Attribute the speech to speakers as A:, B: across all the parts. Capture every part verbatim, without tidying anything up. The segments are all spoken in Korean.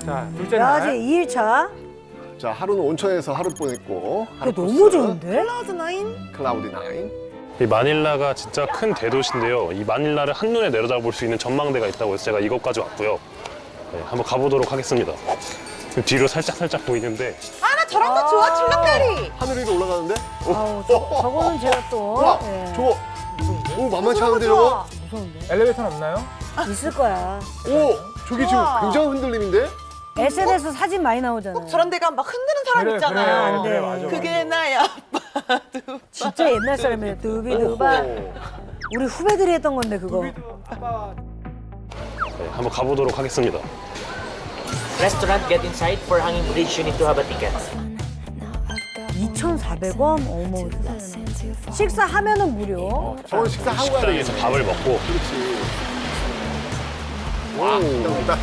A: 자, 둘째
B: 야, 이제
A: 날.
B: 이 일 차.
C: 자, 하루는 온천에서 하루 보냈고.
B: 이거 너무 좋은데?
D: 클라우드 나인?
C: 클라우디 나인.
E: 이 마닐라가 진짜 큰 대도시인데요. 이 마닐라를 한눈에 내려다볼 수 있는 전망대가 있다고 해서 제가 이것까지 왔고요. 네, 한번 가보도록 하겠습니다. 지금 뒤로 살짝 살짝 보이는데
D: 아, 나 저런 거 좋아, 출렁다리.
C: 하늘 위로 올라가는데? 오,
B: 아우, 저, 저거는 제가 또.
C: 와,
B: 예,
C: 저거. 오, 만만치
D: 저런 거
C: 않은데, 저거?
D: 좋아.
B: 무서운데?
A: 엘리베이터는 없나요?
B: 있을 거야.
C: 오, 저기 지금
D: 우와.
C: 굉장한 흔들림인데?
B: 에스엔에스 사진 많이 나오잖아.
D: 꼭 저런 데 가면 막 흔드는 사람
A: 그래,
D: 있잖아.
A: 그래,
B: 안 돼.
A: 그래, 맞아,
D: 그게 나야. 아빠.
B: 진짜 옛날 사람이에요. 두비두바.
C: 오.
B: 우리 후배들이 했던 건데, 그거.
E: 네, 한번 가보도록 하겠습니다.
F: Restaurant, get inside. For hanging bridge, you need to have a ticket.
B: 이천사백 원? 어머. 식사하면은 무료.
C: 저건 식사하고 가야
E: 식당에서
C: 되겠네.
E: 밥을 먹고
C: 그렇지. 와, 딱,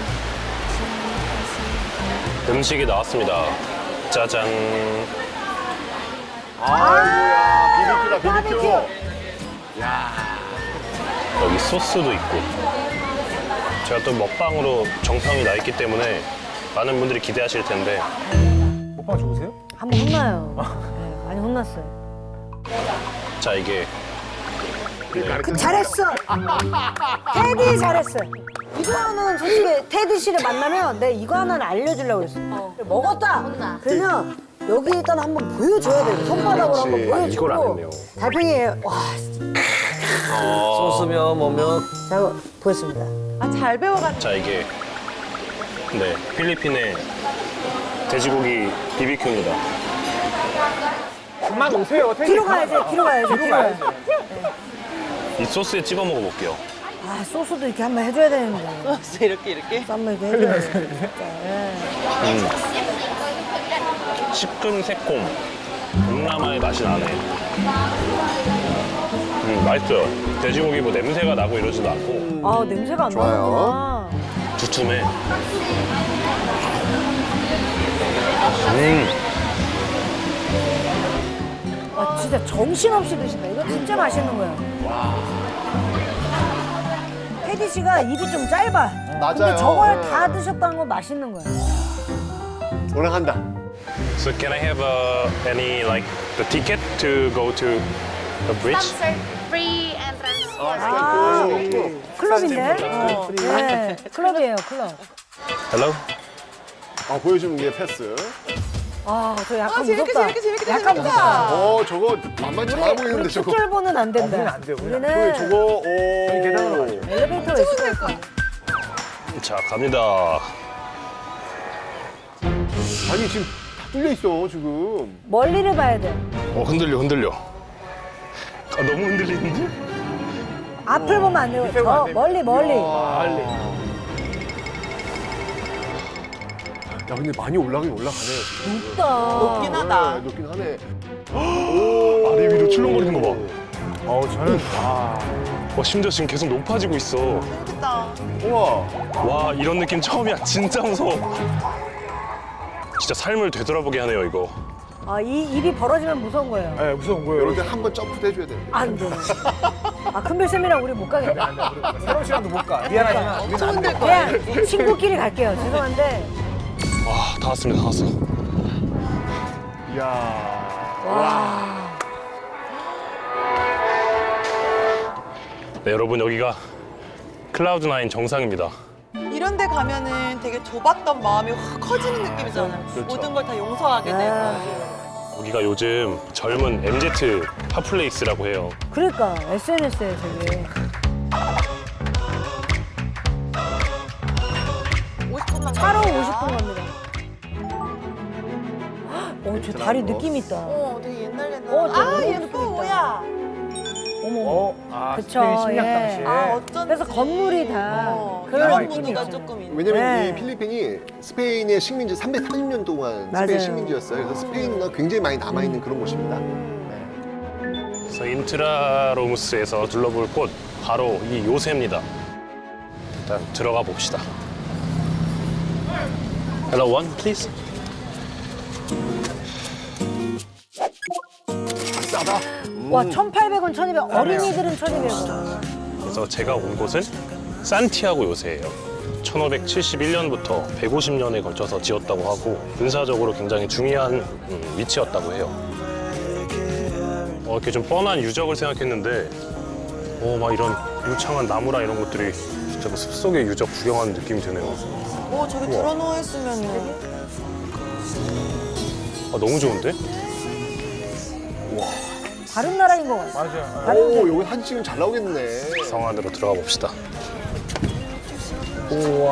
E: 음식이 나왔습니다. 짜잔.
C: 아이고야, 비비큐다, 비비큐.
B: 바비큐.
E: 여기 소스도 있고. 제가 또 먹방으로 정평이 나 있기 때문에 많은 분들이 기대하실 텐데
A: 먹방 좋으세요?
B: 한번 혼나요. 네, 많이 혼났어요.
E: 자 이게 네,
B: 그 잘했어. 테디 잘했어. 이거는 솔직히 테디 씨를 만나면 내가 이거 하나는 알려주려고 그랬어. 먹었다. 그러면 여기 일단 한번 보여줘야 돼. 손바닥으로 한번
C: 그렇지.
E: 아,
B: 보여주고.
E: 이걸 안 했네요.
B: 달팽이 와,
F: 소스며 뭐며.
B: 자 이거 보였습니다.
D: 아, 잘 배워가지고.
E: 자 이게 네 필리핀의 돼지고기 비비큐입니다.
A: 그만 오세요. 테디.
B: 뒤로 가야지. 뒤로 가야지. 뒤로 가야지.
E: 이 소스에 찍어 먹어볼게요.
B: 아 소스도 이렇게 한번 해줘야 되는데.
D: 소스 이렇게, 이렇게.
B: 쌈을 이렇게 해줘야 돼. 진짜. 예.
E: 음. 시큼 새콤 동남아의 맛이 나네. 음 맛있어요. 돼지고기 뭐 냄새가 나고 이러지도 않고
B: 아 냄새가 안
C: 좋아요.
B: 나는구나.
E: 두툼해. 음.
B: 아 진짜 정신없이 드신다. 이거 진짜 맛있는 거야. 테디 씨가 입이 좀 짧아.
C: 맞아요.
B: 근데 저걸
C: 네.
B: 다 드셨다는 건 맛있는 거야.
C: 올라간다.
E: So can I have uh, any like the ticket to go to the bridge?
G: Sir, free entrance.
B: 아,
C: 오.
B: 클럽인데? 어, 네, 클럽이에요, 클럽.
E: Hello?
C: 아, 보여주는 게 패스.
B: 아, 저 약간
D: 아, 재밌게,
B: 무섭다.
D: 재밌게, 재밌게,
B: 약간
D: 재밌다.
B: 무섭다.
C: 어, 저거 만만치 않아 보이는데,
B: 우리
C: 저거.
B: 특별보는 안 된다.
A: 우리는 안 돼요, 우리는 안
C: 그
B: 우리는
C: 저거, 오.
A: 계단으로 가죠.
B: 엘리베이터가 있을 거야.
E: 자 갑니다.
C: 아니, 지금 다 뚫려 있어, 지금.
B: 멀리를 봐야 돼.
E: 어 흔들려 흔들려. 아 너무 흔들리는데?
B: 앞을 보면 안 돼요.
A: 밑에 보면 안
B: 저
A: 됩니다.
B: 멀리, 멀리.
A: 빨리.
C: 야, 근데 많이 올라가긴 올라가네요, 지금.
B: 높다.
D: 높긴 하다.
C: 네, 높긴 하네. 오.
E: 아래 위로 출렁거리는 거 봐.
A: 어우, 저는, 아.
E: 와 심지어 지금 계속 높아지고 있어.
D: 재밌겠다.
C: 우와.
E: 와 이런 느낌 처음이야. 진짜 무서워. 진짜 삶을 되돌아보게 하네요 이거.
B: 아, 이 입이 벌어지면 무서운 거예요.
A: 네, 무서운 거예요.
C: 이럴 때 한 번 점프 해줘야 되는데.
B: 안 돼. 아, 큰별쌤이랑 우리 못 가겠다.
A: 새로운 시간도 못 가. 미안하지만 우리는 안 돼.
B: 그냥 친구끼리 갈게요. 죄송한데.
E: 와 다 왔습니다 다 왔어.
C: 이야.
B: 와.
E: 네 여러분 여기가 클라우드 나인 정상입니다.
D: 이런 데 가면은 되게 좁았던 마음이 확 커지는 느낌이잖아요. 모든 걸 다 용서하게
B: 네.
D: 되고.
E: 여기가 요즘 젊은 엠지 핫플레이스라고 해요.
B: 그러니까 에스엔에스에 되게.
D: 오십 분만
B: 차로
D: 가면
B: 오십 분 갑니다. 어, 저 다리 느낌 있다.
D: 어, 되게 옛날 옛날.
B: 어, 저
D: 아,
B: 너무
D: 예뻐,
B: 느낌 있다.
D: 뭐야.
B: 어머.
A: 어, 아,
B: 그쵸,
A: 스페인 식량
B: 예.
A: 당시에.
D: 아, 어쩐지.
B: 그래서 건물이 다
D: 어,
B: 그런
D: 이런
B: 느낌이
D: 구도가
B: 있잖아요.
D: 조금 있네.
C: 왜냐면
B: 네.
C: 이 필리핀이 스페인의 식민지 삼백사십 년 동안
B: 맞아요.
C: 스페인 식민지였어요. 그래서 스페인 문화가 굉장히 많이 남아있는 그런 곳입니다.
E: 그래서 인트라로무스에서 둘러볼 곳 바로 이 요새입니다. 일단 들어가 봅시다. Hello one please.
C: 싸다.
B: 와, 천팔백 원, 천이백 원. 어린이들은 천이백 원.
E: 그래서 제가 온 곳은 산티아고 요새예요. 천오백칠십일 년부터 백오십 년에 걸쳐서 지었다고 하고 군사적으로 굉장히 중요한 음, 위치였다고 해요. 어, 이렇게 좀 뻔한 유적을 생각했는데 어, 막 이런 유창한 나무랑 이런 것들이 진짜 그 숲속의 유적 구경하는 느낌이 드네요.
D: 오, 저기 들어누워 있으면은.
E: 아, 너무 좋은데?
B: 다른 나라인 것 같아.
A: 맞아요.
C: 오, 여기 사진 찍으면 잘 나오겠네.
E: 성 안으로 들어가 봅시다.
A: 우와.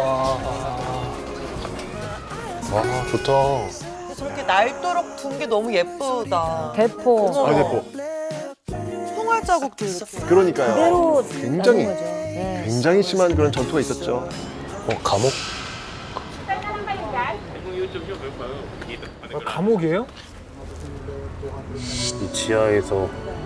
E: 와, 좋다.
D: 저렇게 날도록 둔 게 너무 예쁘다.
B: 대포.
D: 어머.
C: 아, 대포.
D: 총알 자국도 이렇게.
C: 그러니까요.
B: 그대로
C: 굉장히,
B: 남은 거죠. 네.
C: 굉장히 심한 그런 전투가 있었죠.
E: 어, 감옥?
A: 어, 감옥이에요?
E: 이 지하에서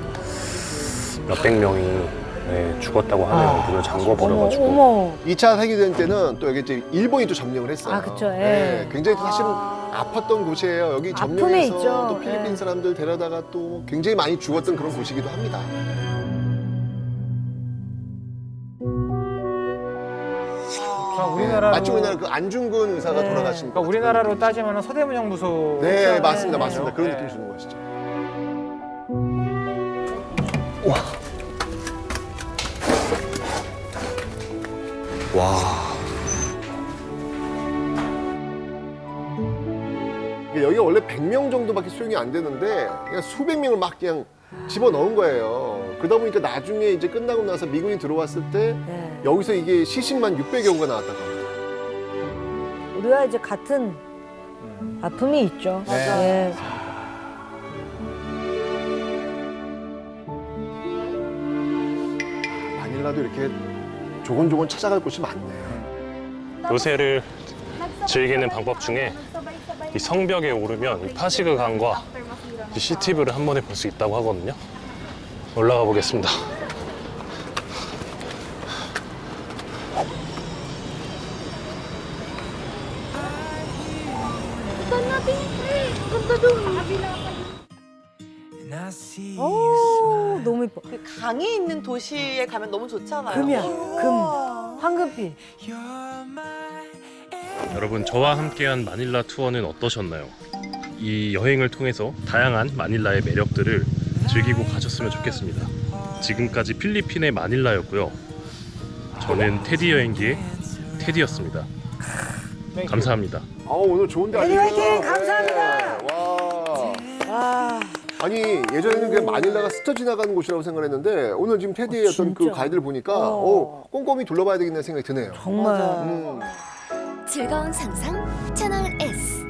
E: 몇백 명이 네, 죽었다고 하네요. 문을 잠궈
B: 어머,
E: 버려가지고.
B: 어머.
C: 이 차 세계대전 때는 또 여기 이제 일본이 또 점령을 했어요.
B: 아, 그쵸, 예.
C: 네, 굉장히 또 사실은 아팠던 곳이에요. 여기
B: 아픔에
C: 점령해서
B: 있죠.
C: 또 필리핀
B: 예.
C: 사람들 데려다가 또 굉장히 많이 죽었던 그런 곳이기도 합니다.
A: 그러니까 우리나라로
C: 마치 우리나라 그 안중근 의사가
B: 네.
C: 돌아가신
A: 그러니까
C: 것
A: 우리나라로 따지면 서대문 형무소.
C: 네, 맞습니다, 맞습니다. 그런
A: 네.
C: 느낌 주는 것이죠. 와. 와. 이게 여기가 원래 백 명 정도밖에 수용이 안 되는데 그냥 수백 명을 막 그냥 집어 넣은 거예요. 그러다 보니까 나중에 이제 끝나고 나서 미군이 들어왔을 때
B: 네.
C: 여기서 이게 시신만 육백여 구가 나왔다고 합니다.
B: 우리와 이제 같은 아픔이 있죠.
A: 맞아요.
B: 예.
C: 마닐라도 이렇게 조곤조곤 찾아갈 곳이 많네요.
E: 요새를 즐기는 방법 중에 이 성벽에 오르면 이 파시그 강과 이 시티뷰를 한 번에 볼 수 있다고 하거든요. 올라가 보겠습니다.
B: 오, 너무 이뻐.
D: 그 강이 있는 도시에 가면 너무 좋잖아요.
B: 금이야, 금. 황금빛.
E: 여러분, 저와 함께한 마닐라 투어는 어떠셨나요? 이 여행을 통해서 다양한 마닐라의 매력들을 즐기고 가셨으면 좋겠습니다. 지금까지 필리핀의 마닐라였고요. 저는 테디 여행기의 테디였습니다. 감사합니다.
C: 아, 오늘 좋은데
B: 테디
C: 아니에요?
B: 화이팅! 감사합니다.
C: 네. 와.
B: 와.
C: 아니 예전에는 그냥 마닐라가 스쳐 지나가는 곳이라고 생각했는데 오늘 지금 테디의
B: 어,
C: 어떤 그
B: 진짜?
C: 가이드를 보니까
B: 어.
C: 어, 꼼꼼히 둘러봐야 되겠다는 생각이 드네요.
B: 정말.
C: 음.
H: 즐거운 상상 채널 S.